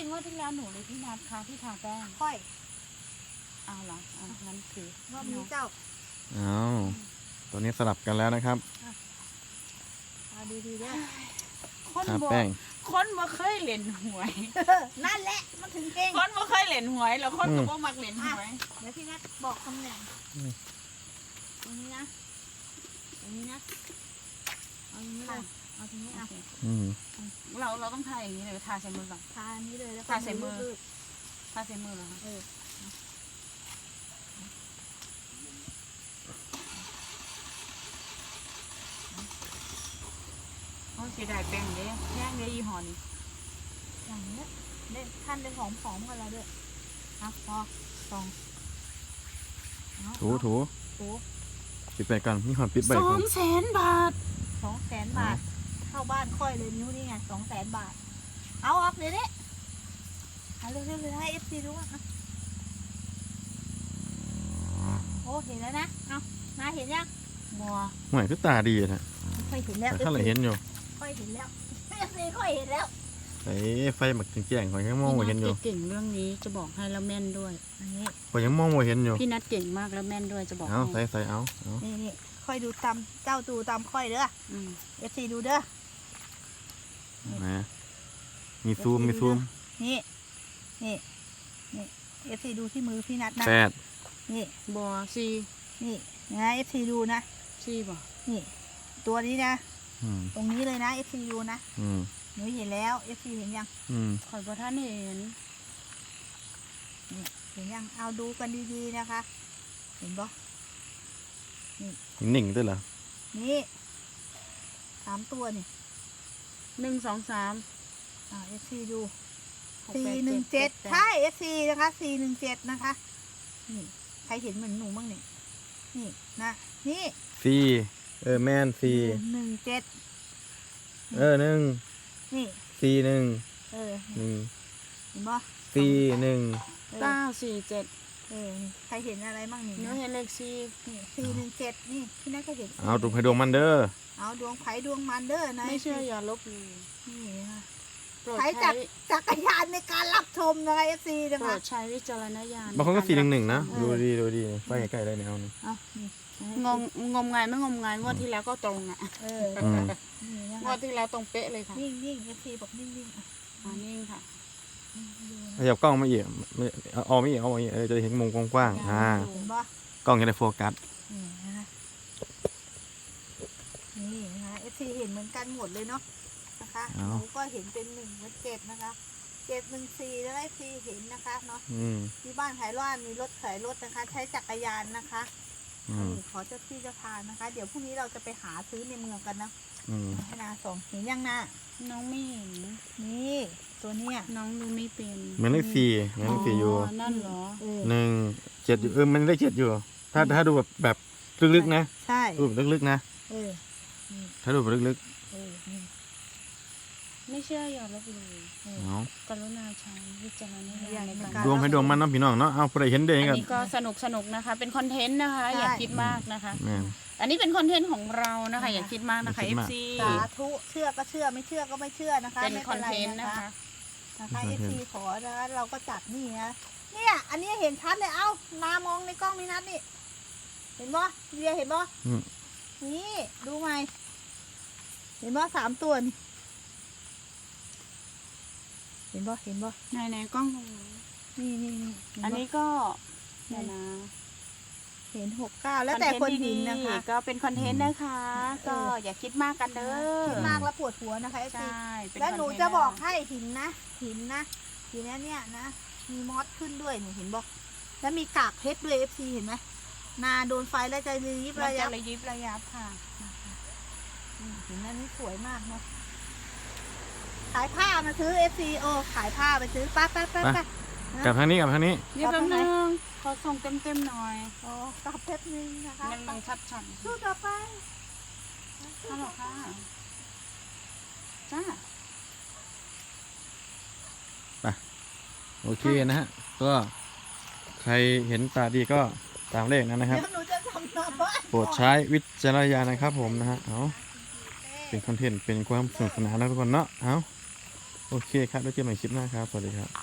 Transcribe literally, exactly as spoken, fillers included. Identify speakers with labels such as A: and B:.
A: งว่าที่แล้วหนูเลยพี่นัดค่ะที่ทาแป้ง
B: ค่อย
A: เอาเหรออ่ะงั้นคือ
B: รอบนี้เจ้า
C: อ้าวตัวนี้สลับกันแล้วนะครับ
B: เอาดีๆเด้อ
A: คน
C: ทา
A: บ่
C: แป้ง
A: คนบ่เคยเล่นหวย
B: นั่นแหละมันถึงเก่ง
A: คนบ่เคยเล่นหวยแล้วคนก็บ่มักเล่นหวย
B: เดี๋ยวพี่นัทบอกตำแหน่งตรงนี้นะตรงนี้นะเอาตรงนี้เลยเอาตรงนี้เอา
C: อืม
A: เราเราต้องทาอย่างนี้เลยทาใส่มือก่อน
B: ทาอันนี้เลยแล้วก็
A: ทาใส่มือ
B: รูด
A: ทาใส่มือเหรอคะ
B: ๆเออ
A: โอ้ยเสียดายแป้งเด้แย่งเด้ยี่ห้อนี้
B: อย่างนี้เด่นท่านได้หอมๆกันแล้วด้วยเอาพอสองเอา
C: ถูถู
B: ถู
C: ปิดไปก่อนมีความปิดใบ
A: สอ
C: ก่อน
A: งแสนบาท
B: สองแสนบาทเข้าบ้านค่อยเลยนิ้วนี่ไงสองแสนบาทเอาออกเลยเนี่ยเอาเร็วๆเลยให้เอฟซีรู้ว่าโอ้เห็นแล้วนะเอานาเห็นยัง
A: บัว
C: หวยคือตาดีนะ
B: ค่อยเห็นแล้ว
C: แต่ถ้าเราเห็นอยู่
B: ค่อยเห็นแล้วเอฟซีค่อยเห็นแล้ว
C: ไอ้ไฟหมักแจ้งๆข่อยยังมองไม่เห็นอยู่
A: พี่นัทเก่งเรื่องนี้จะบอกให้แล้วแม่นด้วย
B: อันนี้
C: ข่อยยังมองไม่เห็นอยู่
A: พี่นัทเก่งมากแล้วแม่นด้วยจะบอก
C: เอาใส่
A: ให้
C: ใส่เอาเอา
B: นี่นี่ค่อยดูตามเจ้าดูตามค่อยเด้อ
A: อืม
B: เอฟซีดูเด้อ
C: นะมีซูมมีซูม
B: นี่นี่นี่เอฟซีดูที่มือพี่นัทนะ
C: แปด
B: นี่
A: บัวซี
B: นี่นะเอฟซีดูนะ
A: ซีบ่
B: นี่ ตัวนี้นะ
C: อืม
B: ตรงนี้เลยนะเอฟซีดูนะ
C: อืม
B: หนูเห็นแล้วเอฟซีเห็นยัง
C: อืม
A: ข่อยบ่ท่านเห็น
B: นี่เห็นยังเอาดูกันดีๆนะคะ เห็นปะ
C: นิ่งด้วยเหรอ
B: นี่สามตัวนี่
A: หนึ่งสองสาม
B: อ่าเอฟซีดู
A: หก
B: สี่
A: แป
B: หนึ่งเจ็ด
A: แป
B: ใช่เอฟซีนะคะสี่หนึ่งเจ็ดนะคะนี่ใครเห็นเหมือนหนูบ้างเนี่ยนี่นะนี่
C: ซีเออแมนซี
B: หนึ่งเจ็ด
C: เออหนึ่ง
B: นี่
C: ซีหนึ่ง
B: เออ
C: หนึ่ง
B: เห็นปะ
C: ซีหนึ่ง
B: เออ
A: เก้าสี่เจ็ด
B: เออนี่ใครเห็นอะไรบ้างนี่
A: หนูเห็นเลขซี
B: นี่สี่หนึ่งเจ็ดนี่พี่นัทก็เห็น
C: เอาดูให้ดวงมันเด้อ
B: เอาดวงไผ่ดวงมันเด้อนะ
A: ไม่เชื่ออย่าลบหลู่
B: นี่นะคะ
A: โปรด
B: ใช้
A: ใช้
B: จักจักรยานในการรับชมนะคะเอฟซีนะ
A: โปร
B: คะ
A: ดใช้วิจารณญาณ
C: บางคนก็สี่หนึ่งหนึ่งนะ
B: เออ
C: ดูดีดูดีไฟใกล้ๆได้เนี่ยเอานี่
B: เอานี่
A: งงงมงายไม่งมงายงวดที่แล้วก็ตรงอ่ะ
B: เออ
C: อืม
B: นี่นะ
A: งว
B: คะ
A: ดที่แล้วตรงเป๊ะเลยค่ะ
B: นิ่งนิ่งเอฟซีบอกนิ่งนิ่งอ่ะ
A: อ่านิ่งค่ะ
B: ดู
C: ขยับกล้องมาอีกไม่เอาเอาไม่อีกเอามาอีกเออจะได้เห็นมุมกว้างๆอ่า
B: เห็นปะ
C: กล้องจะได้โฟกัส
B: นี่นะคะนี่นะคะเอฟซีเห็นเหมือนกันหมดเลยเนาะนะคะหนูก็เห็นเป็นหนึ่งเป็นเจ็ดนะคะเจ็ดหนึ่งสี่แล้วเอฟซีเห็นนะคะเนาะ
C: อืม
B: ที่บ้านขายร้านมีรถขายรถนะคะ ใช้จักรยานนะคะ
C: อืม
B: ขอเจ้าที่เจ้าทางนะคะ เดี๋ยวพรุ่งนี้เราจะไปหาซื้อในเมืองกันนะ
C: อืม
B: ให้นาสองเห็นยังนา
A: น้องไม่เห็น
B: นี่ตัวเนี้ย
A: น้องดูไม่เป็น
C: เหมือนเลขสี่เหมือนเลขสี่อยู่
A: นั่นเหรอ
B: เออ
C: หนึ่งเจ็ดอยู่เออมันเลขเจ็ดอยู่ ถ้าถ้าดูแบบแบบลึกๆนะ
B: ใช่
C: ดูแบบลึกๆนะ
B: เออ
C: ถ้าดูแบบลึก
B: เออนี่
A: ไม่เชื่ออย่าลบหลู่
B: เออ
C: ๆเอา
A: กรุณาใช้วิจารณญาณใน
B: ครั
A: การ
B: บ
C: ดวงให้ดวงมันเนาะพี่น้องเนาะเอาผู้ใดเห็นได้
A: อัน
C: กัน
A: นี้ก็สนุกสนุกนะคะ เป็นคอนเทนต์นะคะ
B: ใช่
A: อย่าคิดมากนะคะ
C: แม่น
A: อันนี้เป็นคอนเทนต์ของเรานะคะ อย่าคิดมากนะคะ
C: อย่าคิดมาก
A: เอฟซี
B: สาธุเชื่อก็เชื่อไม่เชื่อก็ไม่เชื่อนะคะ
A: เป็น
B: ไม่
A: คอนเทนต์
B: ไร
A: นะคะ
B: นะคะเอฟซีขอนะคะเราก็จัดนี่นะเนี่ยอันนี้เห็นชัดเลยเอ้านามองในกล้องนี่นัดนี่เห็นบ่เดียเห็นบ่
C: อืม
B: นี่ดูไหมเห็นบ่สามตัวนี่เห็นบ่เห็นบ่
A: ในในกล้องตรงนี้
B: นี่นี่นี่เห็บ่
A: อันนี้ก็เดี๋ยวนะ
B: เห็นหกเก้าแล้วแต่คนเห็นนะคะ
A: ๆก็เป็นคอนเทนต์นะคะ ก็อย่าคิดมากกันเด้อ
B: คิดมากแล้วปวดหัวนะคะเอฟ
A: ใช
B: ซี่
A: เป็น
B: แล้วหนู
A: คเทต์
B: จะบอกให้หินนะหินนะหินเนี้ยเนี่ยนะมีมอสขึ้นด้วยหนูเห็นบอกแล้วมีกากเพชรด้วยเอฟซีเห็นไหมนาโดนไฟแล้วจะรีบ
A: มัน
B: ระ
A: จะ
B: ยับ
A: ระยิบระยับค่ะ
B: อืมหินอันนี้สวยมากเนาะขายผ้ามาซื้อเอฟซีโอขายผ้าไปซื้อไป้าป้าป้าป้าก
C: ลับทางนี้กลับทางนี้
A: นี่แป๊บนึงขอส่งเต็มเต็มๆหน่อย
B: โอ้กลับเพชรนึงนะคะ
A: มันมันชัดชัด
B: สู้ต่อไป
A: ฮัลโหลค่ะจ้า
C: โอเคนะฮะก็ใครเห็นตาดีก็ตามเลขนั้นนะครับ
B: เดี๋ยวหนูจะทำหน้าบ้าน
C: โปรดใช้วิจารณญาณนะครับผมนะฮะเอาเป็นคอนเทนต์เป็นความสนุกสนานนะทุกคนเนาะเอาโอเคครับแล้วเจอกันใหม่คลิปหน้าครับสวัสดีครับ